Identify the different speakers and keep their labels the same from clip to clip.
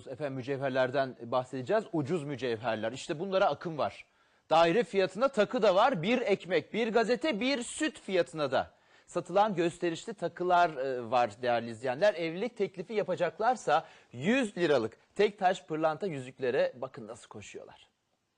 Speaker 1: Efendim mücevherlerden bahsedeceğiz. Ucuz mücevherler. İşte bunlara akım var. Daire fiyatına takı da var. Bir ekmek, bir gazete, bir süt fiyatına da. Satılan gösterişli takılar var değerli izleyenler. Evlilik teklifi yapacaklarsa 100 liralık tek taş pırlanta yüzüklere bakın nasıl koşuyorlar.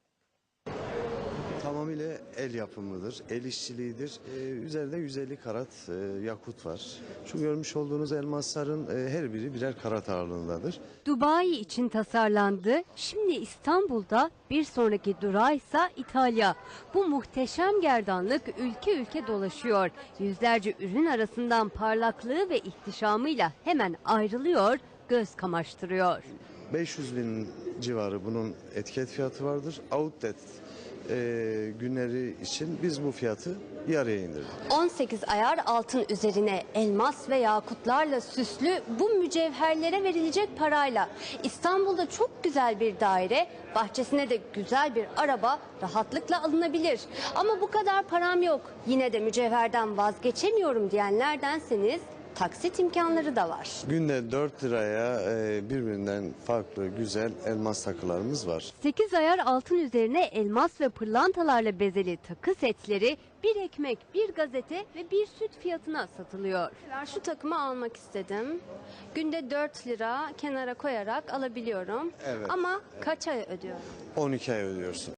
Speaker 2: Tamamıyla el yapımıdır, el işçiliğidir. Üzerinde 150 karat yakut var. Şu görmüş olduğunuz elmasların her biri birer karat ağırlığındadır.
Speaker 3: Dubai için tasarlandı. Şimdi İstanbul'da, bir sonraki durağı ise İtalya. Bu muhteşem gerdanlık ülke ülke dolaşıyor. Yüzlerce ürün arasından parlaklığı ve ihtişamıyla hemen ayrılıyor, göz kamaştırıyor.
Speaker 2: 500 bin civarı bunun etiket fiyatı vardır. Outlet günleri için biz bu fiyatı yarıya indirdik.
Speaker 3: 18 ayar altın üzerine elmas ve yakutlarla süslü bu mücevherlere verilecek parayla İstanbul'da çok güzel bir daire, bahçesine de güzel bir araba rahatlıkla alınabilir. Ama bu kadar param yok, yine de mücevherden vazgeçemiyorum diyenlerdenseniz taksit imkanları da var.
Speaker 2: Günde 4 liraya birbirinden farklı güzel elmas takılarımız var.
Speaker 3: 8 ayar altın üzerine elmas ve pırlantalarla bezeli takı setleri bir ekmek, bir gazete ve bir süt fiyatına satılıyor. Şu takımı almak istedim. Günde 4 lira kenara koyarak alabiliyorum.
Speaker 2: Evet.
Speaker 3: Ama kaç ay ödüyorum?
Speaker 2: 12 ay ödüyorsun.